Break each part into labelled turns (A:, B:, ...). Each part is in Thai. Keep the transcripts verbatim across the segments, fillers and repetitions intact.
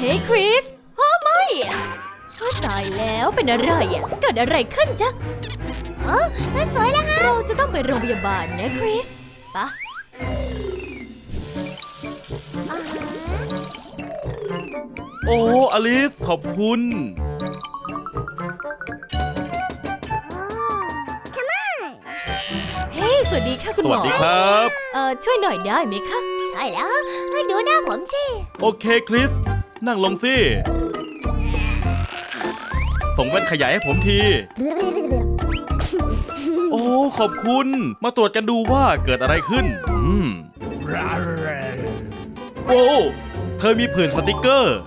A: ฮ้คริสโอ้ไม่ตายแล้วเป็นอะไรอ่ะเกิดอะไรขึ้นจ๊ะเออสวยแล้วฮะเราจะต้องไปโรงพยาบาลนะคริสปะ
B: โอ้อลิสขอบคุณ
A: เฮ้สวัสดีค่ะคุณหมอ
B: สวัสดีครับ
A: เอ่อช่วยหน่อยได้ไหมคะใช่แล้วให้ดูหน้าผมสิ
B: โอเคคริสนั่งลงสิส่งแว่นขยายให้ผมทีโอ้ขอบคุณมาตรวจกันดูว่าเกิดอะไรขึ้นอืมโอ้เธอมีผื่นสติกเกอร์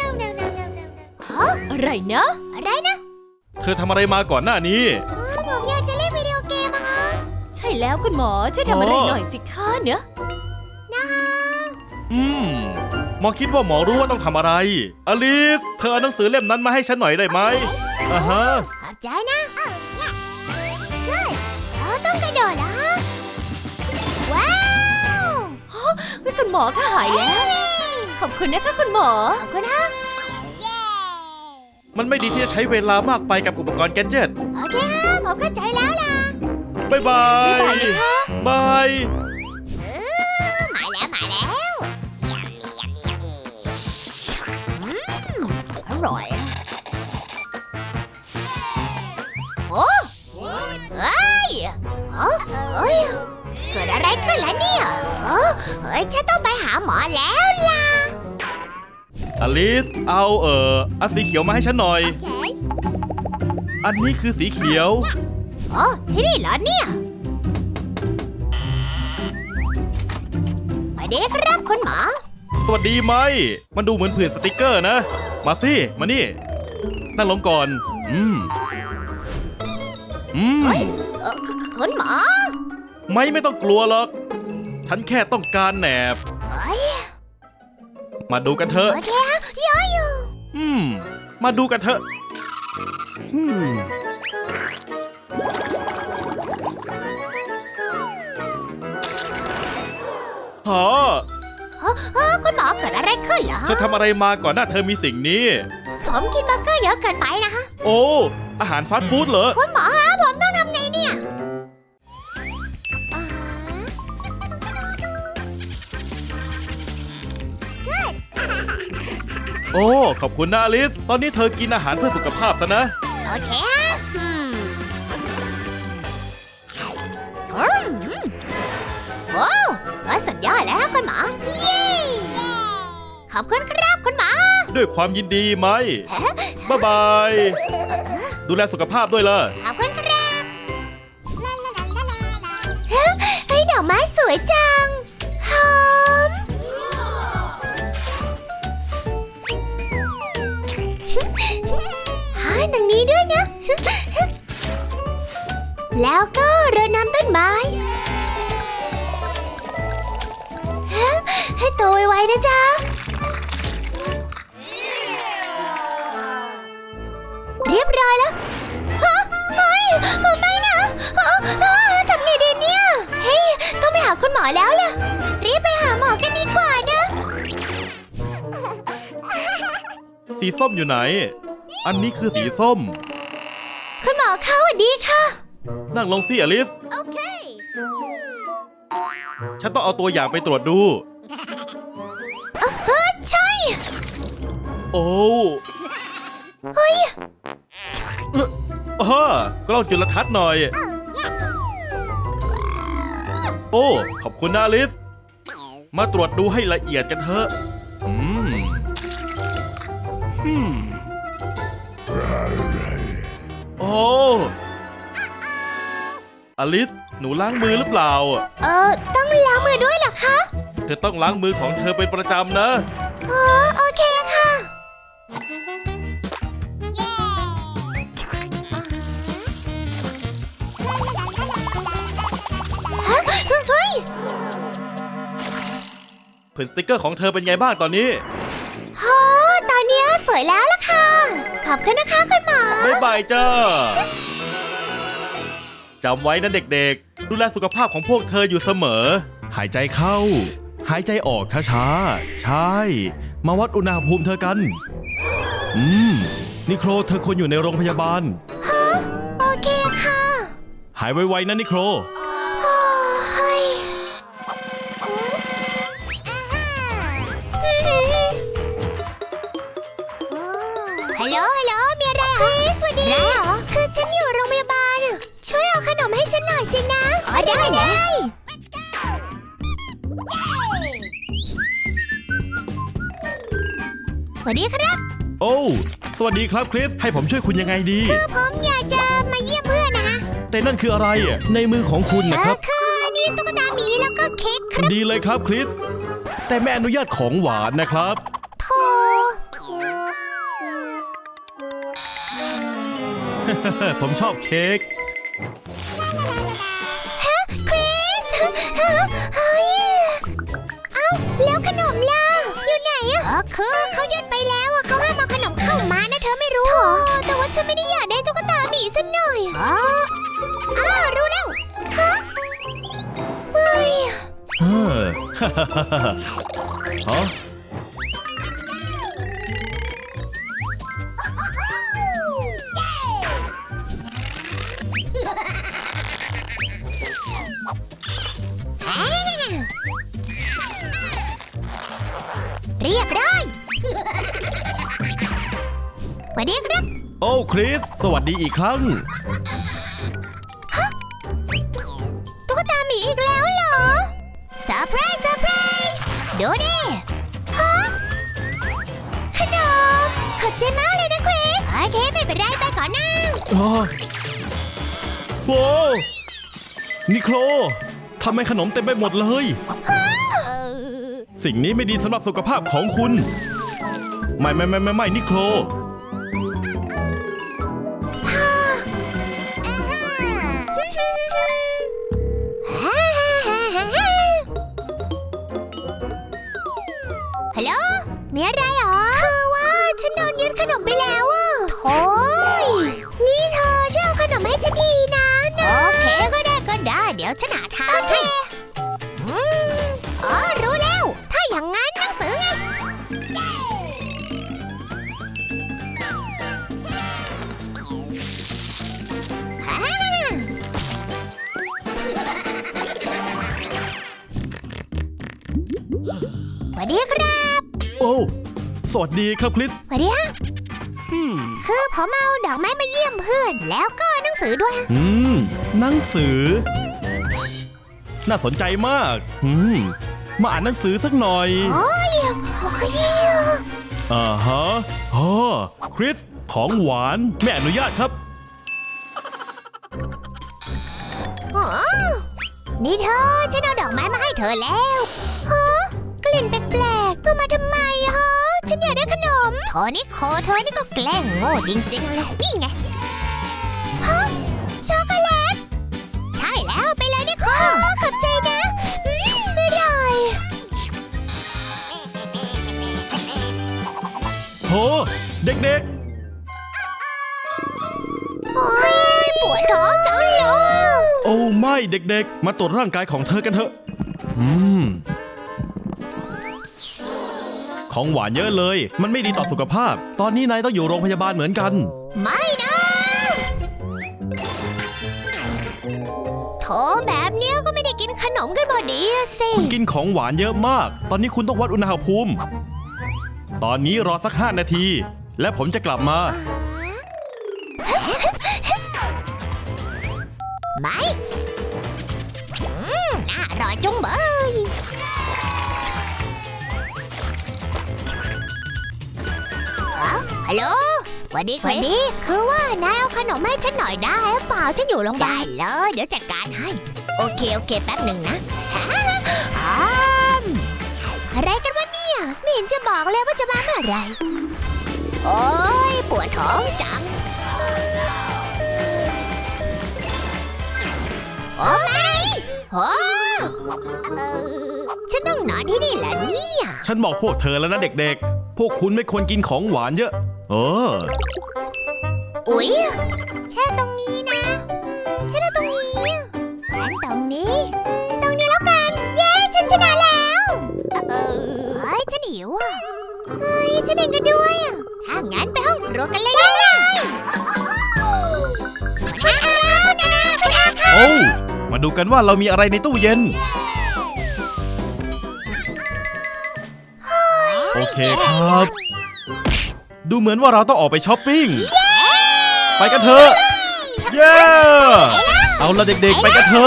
A: อะไรนะอะไรนะ
B: เธอทำอะไรมาก่อนหน้านี้
A: ผมอยากจะเล่นวิดีโอเกมอะคะใช่แล้วคุณหมอช่วยทำอะไรหน่อยสิคะเนอะนะคะ
B: อืมหมอคิดว่าหมอรู้ว่าต้องทำอะไรอลิสเธอเอาหนังสือเล่มนั้นมาให้ฉันหน่อยได้ไหมอ่าฮะ
A: ขอบใจนะเราต้องกระโดดนะว้าวคุณหมอก็หายแล้วขอบคุณนะคะคุณหมอขอบคุณนะ
B: มันไม่ดีที่จะใช้เวลามากไปกับอุปกรณ์แกดเจ็ต
A: โอเคครับผมเข้าใจแล้วล่ะ
B: บายบาย
A: บ๊ายบายนะคะ
B: บาย
A: มาแล้วมาแล้วอร่อยโอ้เฮ้ยเฮ้ยเกิดอะไรขึ้นล่ะเนี่ยเฮ้ยฉันต้องไปหาหมอแล้วล่ะ
B: อลิสเอาเอ่ออันสีเขียวมาให้ฉันหน่อย
A: okay.
B: อันนี้คือสีเขียว
A: โอ้ที่นี่เหรอเนี่ยสวัสดีครับคุณหมอ
B: สวัสดีไหมมันดูเหมือนผื่นสติกเกอร์นะมาสิมานี่นั่งลงก่อนอืมอืม
A: คุณหมอ
B: ไม่ไม่ต้องกลัวหรอกฉันแค่ต้องการแหนบมาดูกันเถอะ
A: โอเคเยอะอยู่
B: อืมมาดูกันเถอะอืมฮะ
A: คุณหมอเกิดอะไรขึ้นเหรอ
B: เธอทำอะไรมาก่อนหน้าเธอมีสิ่งนี้
A: ผมกินเบอร์เกอร์เยอะเกินไปนะฮะ
B: โอ้อาหารฟาสต์ฟู้ดเหรอ
A: คุณหมอฮะผมต้องทำไงเนี่ย
B: โอ้ขอบคุณนะอลิสตอนนี้เธอกินอาหารเพื่อสุขภาพซะนะ
A: โอเคฮะโอ้สุดยอดแล้วคุณหมอเย้ขอบคุณครับคุณหมอ
B: ด้วยความยินดีไหมบ๊ายบายดูแลสุขภาพด้วยล่ะ
A: ขอบคุณครับเฮ้ยดอกไม้สวยจังหอมหาตรงนี้ด้วยนะแล้วก็รดน้ำต้นไม้ให้โตไวๆนะจ๊ะเรียบร้อยแล้วฮะเฮ้ยไม่นะทำไงดีเนี่ยเฮ้ยต้องไปหาคุณหมอแล้วล่ะรีบไปหาหมอกันดีกว่านะ
B: สีส้มอยู่ไหนอันนี้คือสีส้ม
A: คุณหมอคะสวัสดีค่ะ
B: นั่งลงสิอลิส
A: โอเค
B: ฉันต้องเอาตัวอย่างไปตรวจดู
A: เออใช่
B: โอ้
A: เฮ้ย
B: เออกล้องจุลทรรศน์หน่อยโอ้ขอบคุณนะอลิสมาตรวจดูให้ละเอียดกันเถอะอืมอืมโอ้อลิสหนูล้างมือหรือเปล่า
A: เออต้องล้างมือด้วยเหรอคะ
B: เธอต้องล้างมือของเธอเป็นประจำนะ
A: อ๋อโอเคค่ะเฮ้ย
B: ผื่นสติ๊กเกอร์ของเธอเป็นไงบ้างตอนนี้
A: โอ้ตอนนี้สวยแล้วล่ะค่ะขอบคุณนะคะคุณหมอ
B: บ๊ายบายจ้าจำไว้นะเด็กๆดูแลสุขภาพของพวกเธออยู่เสมอหายใจเข้าหายใจออกช้าๆใช่ มาวัดอุณหภูมิเธอกัน อืม นิโคลเธอควรอยู่ในโรงพยาบาล
A: ฮะ โอเคค่ะ
B: หายไวๆนะนิโคล
A: โอ้ยฮัลโหล ฮัลโหล มีอะไรเหรอสวัสดีอะไรเหรอ คือฉันอยู่โรงพยาบาล ช่วยเอาขนมให้ฉันหน่อยสินะ อ๋อ ได้ได้สวัสดีครับ
B: โอ้สวัสดีครับคริส ให้ผมช่วยคุณยังไงดี
A: คือผมอยากจะมาเยี่ยมเพื่อนนะฮะ
B: แต่นั่นคืออะไรอ่ะในมือของคุณนะครับ
A: เออคือนี่ตุ๊กตาหมีแล้วก็เค้กครับ
B: ดีเลยครับคริส แต่ไม่อนุญาตของหวานนะครับ
A: โธ่
B: ผมชอบเค้ก
A: ฮะคริสฮะเฮ้ยเอ้าแล้วขนมล่ะ อยู่ไหนอะอ๋อคือเขายัดไปแล้วอะเขาห้ามเอาขนมเข้ามานะเธอไม่รู้เหรอแต่ว่าฉันไม่ได้อยากได้ตุ๊กตาหมีสักหน่อยอ๋ออ้าวรู้แล้วฮะเฮ้ย
B: เออ ฮะ
A: อ่าเรียบร้อยสวัสดีครับ
B: โอ้คริส สวัสดีอีกครั้ง
A: ตุ๊กตาหมีอีกแล้วเหรอเซอร์ไพรส์เซอร์ไพรส์ดูดิฮะขนมขอบใจมากเลยนะคริสโอเคไม่เป็นไรไปก่อนนะ
B: อ๋อโว้นิโคลทำไมขนมเต็มไปหมดเลย สิ่งนี้ไม่ดีสำหรับสุขภาพของคุณ ไม่ไม่ไม่ไม่ไม่นิโคล
A: ฮัลโหลมีอะไรเหรอคือว่าฉันโดนยึดขนมไปแล้วอ่ะโถ่นี่เธอช่วยเอาขนมให้ฉันทีนะนะโอเคก็ได้ก็ได้ เดี๋ยวฉันหาทางให้อืมอ๋อรู้แล้ว ถ้าอย่างงั้นหนังสือไงฮ่าสวัสดีครับ
B: โอ้ สวัสดีครับคริส
A: สวัสดีฮะคือผมเอาดอกไม้มาเยี่ยมเพื่อน แล้วก็หนังสือด้วยฮะ
B: อืม หนังสือ น่าสนใจมาก อืม มาอ่านหนังสือสักหน่อย
A: โอ้ยโอ้ย
B: อ่าฮะอ๋อคริส ของหวานไม่อนุญาตครับ
A: โอ้นี่เธอฉันเอาดอกไม้มาให้เธอแล้วฮะกลิ่นแปลกๆเธอมาทำไมฮะฉันอยากได้ขนมโทนี่โคเธอนี่ก็แกล้งโง่จริงๆเลยนี่ไงฮะช็อกโกแลตใช่แล้วไปเลยนี่โคขอบใจนะอืมอร่อย
B: โห เด็ก
A: โอ้ยปวดท้องจังเลย
B: ๆ โอ้ไม่เด็กๆ มาตรวจร่างกายของเธอกันเถอะ อืม ของหวานเยอะเลย มันไม่ดีต่อสุขภาพ ตอนนี้นายต้องอยู่โรงพยาบาลเหมือนกัน
A: ไม่นะโถแบบเนี้ยก็ไม่ได้กินขนมกันพอดีอะสิ
B: คุณกินของหวานเยอะมาก ตอนนี้คุณต้องวัดอุณหภูมิ ตอนนี้รอสักห้านาที และผมจะกลับมา
A: ไม่อืมน่าอร่อยจุงเบยอ้าวฮัลโหลสวัสดีสวัสดี คือว่านายเอาขนมให้ฉันหน่อยได้หรือเปล่าฉันอยู่โรงพยาบาลได้เลย เดี๋ยวจัดการให้ โอเค โอเค แป๊บหนึ่งนะฮ่าฮ่ามอะไรกันวะเนี่ย ไม่เห็นจะบอกเลยว่าจะมาเมื่อไหรโอ้ยปวดท้องจัง โอ้ไม่โอ้เอ่อฉันต้องนอนที่นี่แหละเนี่ย
B: ฉันบอกพวกเธอแล้วนะเด็กๆ พวกคุณไม่ควรกินของหวานเยอะ เออ
A: อุ๊ยแช่ตรงนี้นะอืมฉันเอาตรงนี้ฉันตรงนี้อืมตรงนี้แล้วกัน เย้ ฉันชนะแล้วเฮ้ยฉันเองก็ด้วยอะถ้างั้นไปห้องครัวกันเลยได้เลยคุณอาคุณอาคุณอาค่ะ
B: โอ้มาดูกันว่าเรามีอะไรในตู้เย็น โอเคครับ ดูเหมือนว่าเราต้องออกไปช้อปปิ้ง ไปกันเถอะ เย้ เอาละเด็กๆ ไปกันเถอะ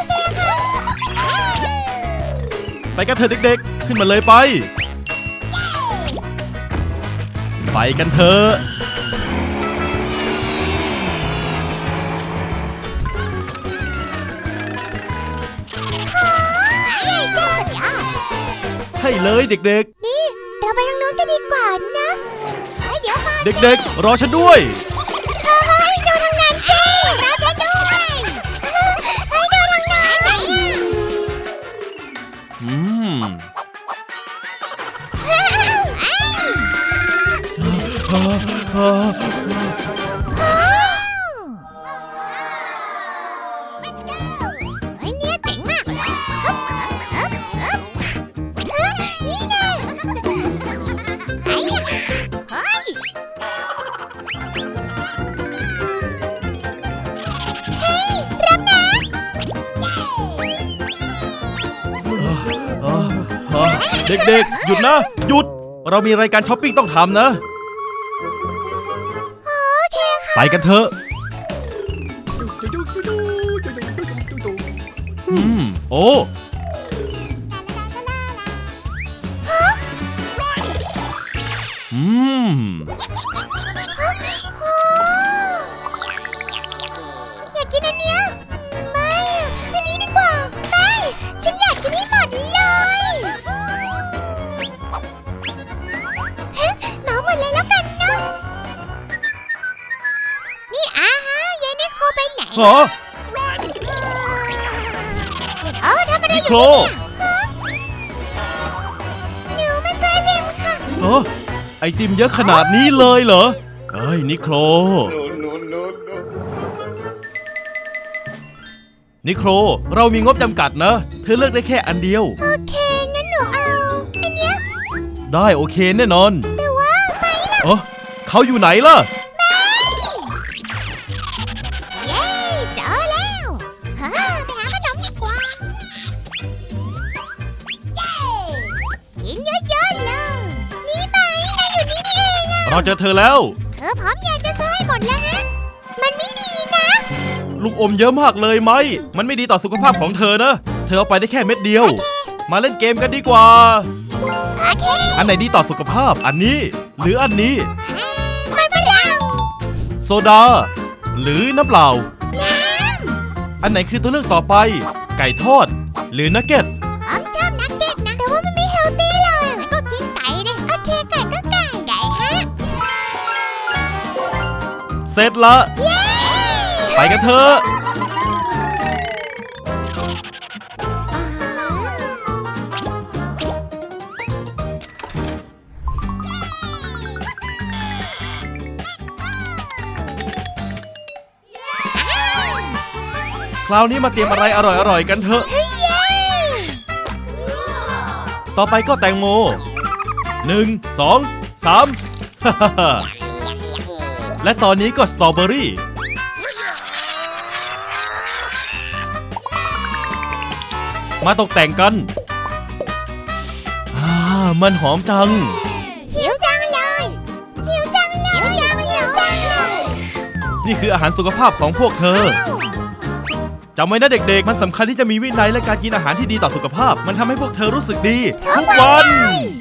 B: ไปกันเถอะเด็กๆ ขึ้นมาเลยไป ไปกันเถอะ
A: เย้เจ้าสุดยอด
B: ให้เลยเด็ก
A: นี่เราไปทางนู้นกันดีกว่านะเฮ้ยเดี๋ยวก่อน
B: ๆ เด็กๆ รอฉันด้วย
A: เฮ้ยดูทางนั้นสิเราจะด้วยเฮ้ยดูทางนั้น
B: อืม
A: เฮ้ยเนี่ยเจ๋งมากฮึบฮึบฮึบฮึบนี่แน่เฮ้ยเฮ้ยเฮ้ยรับนะ
B: เด็กๆ หยุดนะ หยุด เรามีรายการช้อปปิ้งต้องทำนะ
A: โอเคค่ะ
B: ไปกันเถอะ อืม โอ้ อืม
A: อยากกินอันเนี้ยไม่อะอันนี้ดีกว่าไม่ฉันอยากกินให้หมดเลยเฮ้เหมาหมดเลยแล้วกันเนาะนี่อาฮะยายนิโคไปไหน
B: เหรอ
A: เออทำอะไร
B: นิ
A: อ
B: โคล
A: ยู่เนี่ยฮะหนูมาซื้อดิมค่ะ
B: เออไอติมเยอะขนาดนี้เลยเหรอ เฮ้ย นิโคล นิโคล เรามีงบจำกัดนะ เธอเลือกได้แค่อันเดียว
A: โอเคงั้นหนูเอาอันเนี้ย
B: ได้โอเคแน่นอน
A: แต่ว่าไม่ล่ะ
B: เออเขาอยู่ไหนล่ะ
A: เย้เจอแล้วฮะไปหาขนมดีกว่าเย้กินเยอะๆเลยนี่ไหมนายอยู่นี่นี่เองอะ
B: เราเจอเธอแล้ว
A: เธอพร้อมอยากจะซื้อให้หมดแล้วฮะมันไม่ดีนะ
B: ลูกอมเยอะมากเลยไหม มันไม่ดีต่อสุขภาพของเธอนะ เธอเอาไปได้แค่เม็ดเดียว มาเล่นเกมกันดีกว่า
A: โอเค
B: อันไหนดีต่อสุขภาพ อันนี้ หรืออันนี้
A: มันฝรั่ง
B: โซดา หรือน้ำเปล่า
A: น้
B: อันไหนคือตัวเลือกต่อไป ไก่ทอด หรือนักเก็ต
A: ำผมชอบนักเก็ตนะแต่ว่ามันไม่เฮลตี้เลยงั้นก็กินไก่ดิโอเคไก่ก็ไก่ไก่ฮะ
B: เสร็จละ
A: เย้
B: ไปกันเถอะ คราวนี้มาเตรียมอะไรอร่อยๆกันเถอะ
A: เฮ้ยเย้
B: ต่อไปก็แตงโม หนึ่ง สอง สาม และตอนนี้ก็สตรอเบอรี่ มาตกแต่งกัน อ่า มันหอมจัง
A: หิวจังเลยหิวจังเลยหิวจังหิวจังเลย
B: นี่คืออาหารสุขภาพของพวกเธอ จำไว้นะเด็กๆ มันสำคัญที่จะมีวินัยและการกินอาหารที่ดีต่อสุขภาพ มันทำให้พวกเธอรู้สึกดี ทุกวัน